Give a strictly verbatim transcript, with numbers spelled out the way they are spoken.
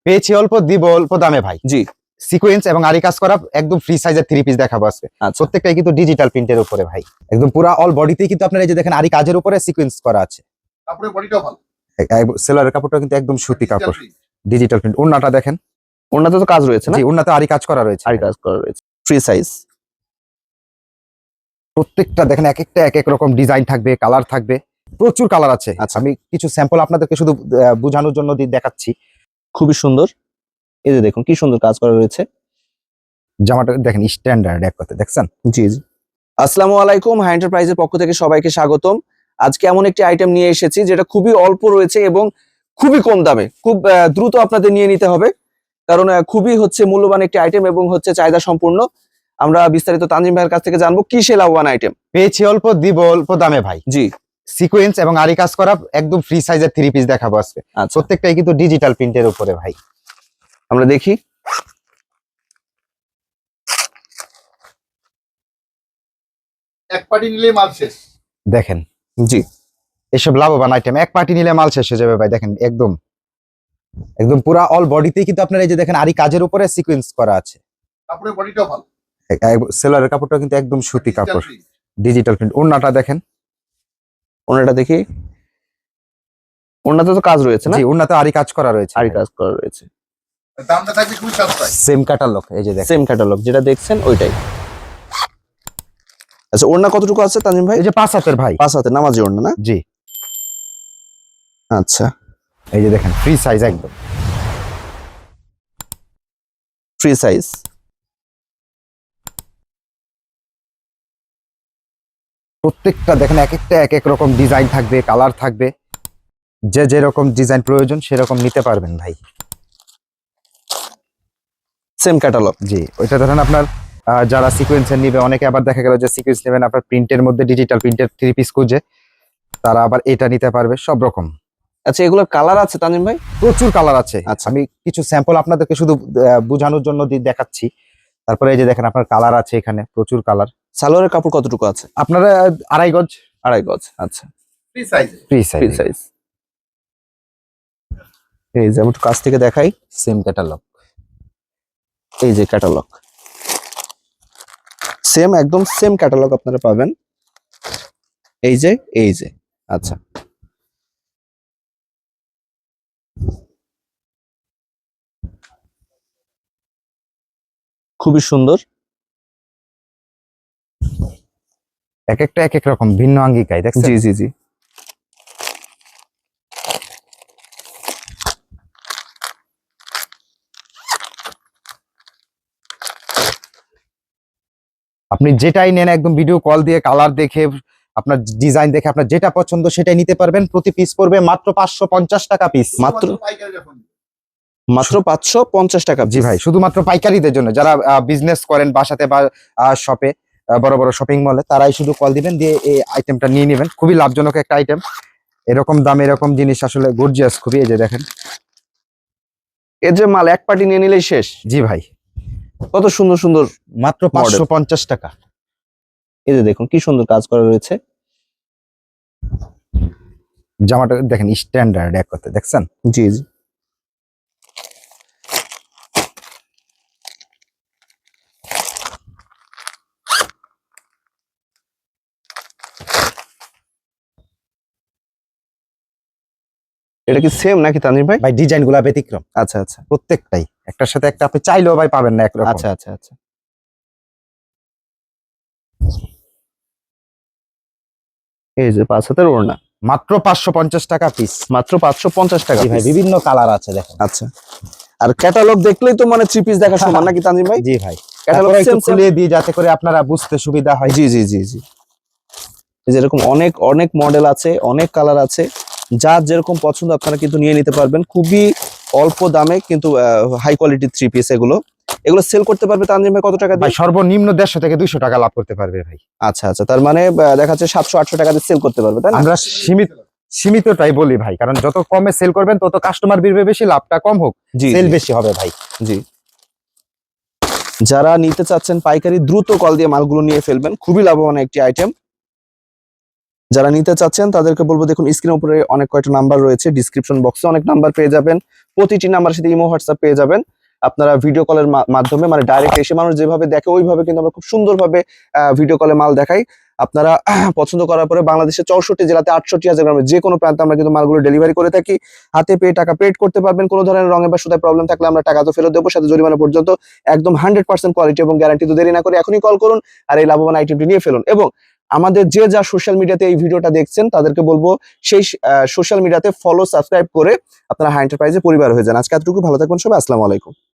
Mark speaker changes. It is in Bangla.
Speaker 1: পেয়েছি অল্প, দিব অল্প দামে ভাই।
Speaker 2: জি,
Speaker 1: সিকোয়েন্স এবং আরি কাজ করা একদম ফ্রি সাইজের থ্রি পিস দেখাবো আজকে।
Speaker 2: আচ্ছা,
Speaker 1: প্রত্যেকটাই কিন্তু ডিজিটাল প্রিন্টের উপরে ভাই, একদম পুরা অল বডিতেই কিন্তু আপনারা এই যে দেখেন আরি কাজের উপরে সিকোয়েন্স করা আছে।
Speaker 3: কাপড়ের বডিটাও ভালো,
Speaker 1: সেলারের কাপড়টা কিন্তু একদম সুতি কাপড়, ডিজিটাল প্রিন্ট। ওন্নাটা দেখেন,
Speaker 2: ওনাতে তো কাজ রয়েছে না?
Speaker 1: জি ওন্নাতে আরি কাজ করা রয়েছে,
Speaker 2: আরি কাজ করা রয়েছে, ফ্রি সাইজ।
Speaker 1: প্রত্যেকটা দেখেন এক একটা এক এক রকম ডিজাইন থাকবে, কালার থাকবে, প্রচুর কালার আছে।
Speaker 2: আচ্ছা।
Speaker 1: আমি কিছু স্যাম্পল আপনাদেরকে শুধু আহ, বোঝানোর জন্য দিয়ে দেখাচ্ছি।
Speaker 2: খুবই সুন্দর, এই যে দেখুন কি সুন্দর কাজ করা রয়েছে।
Speaker 1: জামাটা দেখেন স্ট্যান্ডার্ড এক কথা, দেখছেন?
Speaker 2: জি জি। আসসালামু আলাইকুম, হাই এন্টারপ্রাইজের পক্ষ থেকে সবাইকে স্বাগতম। আজকে এমন একটি আইটেম নিয়ে এসেছি যেটা খুবই অল্প রয়েছে এবং খুবই কম দামে, খুব আহ, দ্রুত আপনাদের নিয়ে নিতে হবে, কারণ আহ, খুবই হচ্ছে মূল্যবান একটি আইটেম এবং হচ্ছে চাহিদা সম্পূর্ণ। আমরা বিস্তারিত তানজিম ভাইয়ের কাছ থেকে জানবো কি সে লাভবান আইটেম।
Speaker 1: পেয়েছি অল্প, দিব অল্প দামে ভাই।
Speaker 2: জি,
Speaker 1: সিকোয়েন্স এবং আরি কাজ করা একদম ফ্রি সাইজের থ্রি পিস দেখাবো আজকে।
Speaker 2: আচ্ছা,
Speaker 1: প্রত্যেকটাই কিন্তু ডিজিটাল প্রিন্টের উপরে ভাই।
Speaker 2: আমরা দেখি।
Speaker 3: এক পার্টি নিলে মাল শেষ।
Speaker 1: দেখেন
Speaker 2: জি,
Speaker 1: এসব লাভবান আইটেম এক পার্টি নিলে মাল শেষ হয়ে যাবে ভাই। দেখেন একদম একদম পুরা অল বডিতেই কিন্তু আপনারা এই যে দেখেন আরি কাজের উপরে সিকোয়েন্স করা আছে।
Speaker 3: কাপড়ের বডিটাও ভালো,
Speaker 1: সেলারের কাপড়টা কিন্তু একদম সুতি কাপড়,
Speaker 3: Digital print।
Speaker 1: Digital print. ওন্নাটা দেখেন,
Speaker 2: ওনাটা দেখি। ওনাতে তো কাজ রয়েছে না?
Speaker 1: জি ওন্নাতে আরি কাজ করা রয়েছে,
Speaker 2: আরি কাজ করা রয়েছে,
Speaker 3: দামটা থাকবে খুবই সস্তায়।
Speaker 1: Same catalogue. এই যে দেখেন,
Speaker 2: সেম ক্যাটালগ যেটা দেখছেন ওইটাই। আচ্ছা, ওড়না কতটুকু আছে তানজিম ভাই?
Speaker 1: এই যে পাঁচ হাতের ভাই,
Speaker 2: পাঁচ হাতে নামাজি ওড়না না?
Speaker 1: জি।
Speaker 2: আচ্ছা,
Speaker 1: এই যে দেখেন ফ্রি সাইজ, একদম
Speaker 2: ফ্রি সাইজ।
Speaker 1: প্রত্যেকটা দেখেন এক একটা এক এক রকম ডিজাইন থাকবে, কালার থাকবে, যে যেরকম ডিজাইন প্রয়োজন সেরকম নিতে পারবেন ভাই।
Speaker 2: Same catalogue.
Speaker 1: জি, ওইটা ধরেন আপনার আহ, যারা সিকোয়েন্সের নিবে, অনেকে আবার দেখা গেল যে সিকোয়েন্স নেবেন আপনার প্রিন্টের মধ্যে, ডিজিটাল প্রিন্টের থ্রি পিস খুঁজে, তারা আবার এটা নিতে পারবে। সব রকম
Speaker 2: আচ্ছা, এগুলোর কালার আছে তানজিম ভাই?
Speaker 1: প্রচুর কালার আছে।
Speaker 2: আচ্ছা।
Speaker 1: আমি কিছু স্যাম্পল আপনাদেরকে শুধু আহ, বোঝানোর জন্য দিয়ে দেখাচ্ছি। তারপরে এই যে দেখেন আপনার কালার আছে, এখানে প্রচুর কালার।
Speaker 2: সালোয়ারের কাপড় কতটুকু আছে?
Speaker 1: আপনারা আহ, আড়াই গজ,
Speaker 2: আড়াই গজ। আচ্ছা,
Speaker 3: ফ্রি সাইজে।
Speaker 1: Free
Speaker 2: free
Speaker 1: size,
Speaker 2: size. এই যে আমি একটু কাছ থেকে দেখাই,
Speaker 1: সেম ক্যাটালগ।
Speaker 2: এই যে ক্যাটালগ, সেম একদম সেম ক্যাটালগ আপনারা পাবেন। এই যে এই যে আচ্ছা, খুবই সুন্দর।
Speaker 1: এক একটা এক এক রকম ভিন্ন আঙ্গিকায়, দেখছেন?
Speaker 2: জি জি জি।
Speaker 1: আপনি যেটাই নেন একদম ভিডিও কল দিয়ে কালার দেখে, আপনার ডিজাইন দেখে আপনার যেটা পছন্দ সেটাই নিতে পারবেন। প্রতি পিস পড়বে মাত্র পাঁচশো পঞ্চাশ টাকা পিস।
Speaker 2: মাত্র
Speaker 3: পাইকারি যখন
Speaker 2: মাত্র পাঁচশো পঞ্চাশ টাকা।
Speaker 1: জি ভাই, শুধুমাত্র পাইকারিদের জন্য, যারা বিজনেস করেন বাসাতে বা শপে, বড় বড় শপিং মলে, তারাই শুধু কল দিবেন, দিয়ে এই আইটেমটা নিয়ে নেবেন। খুবই লাভজনক একটা আইটেম। এরকম দাম, এরকম জিনিস আসলে গর্জিয়াস খুবই। এই যে দেখেন,
Speaker 2: এর যে মাল এক পার্টি নিয়ে নিলেই শেষ।
Speaker 1: জি ভাই,
Speaker 2: কত সুন্দর সুন্দর,
Speaker 1: মাত্র পাঁচশো পঞ্চাশ টাকা।
Speaker 2: এই যে দেখুন কি সুন্দর কাজ করা রয়েছে।
Speaker 1: জামাটা দেখেন স্ট্যান্ডার্ড এক কথা, দেখছেন?
Speaker 2: জি জি। এটা কি সেম নাকি তানজিম ভাই?
Speaker 1: ভাই ডিজাইন গুলা ব্যতিক্রম
Speaker 2: আচ্ছা আচ্ছা
Speaker 1: প্রত্যেকটাই, একটার সাথে একটা আপনি চাইলেও ভাই পাবেন না একরকম।
Speaker 2: আচ্ছা আচ্ছা আচ্ছা। এই যে পাঁচ হাতের ওড়না,
Speaker 1: মাত্র পাঁচশো পঞ্চাশ টাকা পিস।
Speaker 2: মাত্র পাঁচশো পঞ্চাশ টাকা
Speaker 1: জি ভাই,
Speaker 2: piece।
Speaker 1: বিভিন্ন কালার আছে দেখেন।
Speaker 2: আচ্ছা, আর ক্যাটালগ দেখলেই তো মানে থ্রি পিস দেখা সমান নাকি তানজিম ভাই?
Speaker 1: জি ভাই,
Speaker 2: ক্যাটালগ
Speaker 1: তারপরে একটু
Speaker 2: সেম সেম।
Speaker 1: খুলে দিই যাতে করে আপনারা বুঝতে সুবিধা হয়।
Speaker 2: জি জি জি জি। এই যে এরকম অনেক অনেক মডেল আছে, অনেক কালার আছে, যার যেরকম পছন্দ আপনারা কিন্তু নিয়ে নিতে পারবেন খুবই অল্প দামে, কিন্তু হাই কোয়ালিটি থ্রি পিস। এগুলো এগুলো সেল করতে পারবে তানজিম ভাই কত টাকা
Speaker 1: ভাই
Speaker 2: দিয়ে?
Speaker 1: সর্বনিম্ন দেড়শো থেকে দুইশো টাকা লাভ করতে পারবে ভাই।
Speaker 2: আচ্ছা আচ্ছা, তার মানে আহ, দেখা যাচ্ছে সাতশো আটশো টাকা দিয়ে সেল করতে পারবে, তাই না?
Speaker 1: আমরা সীমিত সীমিতটাই বলি ভাই, কারণ যত কমে সেল করবেন তত কাস্টমার বিড়বে বেশি, লাভটা কম হোক,
Speaker 2: জি
Speaker 1: সেল
Speaker 2: জি,
Speaker 1: বেশি হবে ভাই।
Speaker 2: জি। যারা নিতে চাচ্ছেন পাইকারি, দ্রুত কল দিয়ে মালগুলো নিয়ে ফেলবেন, খুবই লাভবান একটি আইটেম। যারা নিতে চাচ্ছেন তাদেরকে বলবো, দেখুন স্ক্রিনের উপরে অনেক কয়টা নাম্বার রয়েছে, ডিসক্রিপশন বক্সে অনেক নাম্বার পেয়ে যাবেন, প্রতিটি নাম্বারের সাথে ইমো হোয়াটসঅ্যাপ পেয়ে যাবেন। আপনারা ভিডিও কলের মাধ্যমে মানে ডাইরেক্ট এসে মানুষ যেভাবে দেখে ওইভাবে কিন্তু আমরা খুব সুন্দরভাবে ভিডিও কলে মাল দেখাই। আপনারা পছন্দ করার পরে বাংলাদেশের চৌষট্টি জেলাতে আটষট্টি হাজার গ্রামে যে কোনো প্রান্তে আমরা কিন্তু মালগুলো ডেলিভারি করে থাকি। হাতে পেয়ে টাকা পেড করতে পারবেন। কোনো ধরনের রঙে বা সুতায় প্রবলেম থাকলে আমরা টাকা তো ফেরত দেবো, সাথে জরিমানা পর্যন্ত। একদম হান্ড্রেড পার্সেন্ট কোয়ালিটি এবং গ্যারান্টি। তো দেরি না করে এখনই কল করুন আর এই লাভবান আইটেমটি নিয়ে ফেলুন। এবং আমাদের যে যা সোশ্যাল মিডিয়াতে এই ভিডিওটা দেখছেন তাদেরকে বলবো সেই সোশ্যাল মিডিয়াতে ফলো সাবস্ক্রাইব করে আপনারা হাই এন্টারপ্রাইজের পরিবার হয়ে যান। আজকে এতটুকু, ভালো থাকবেন সবাই, আসসালামু আলাইকুম।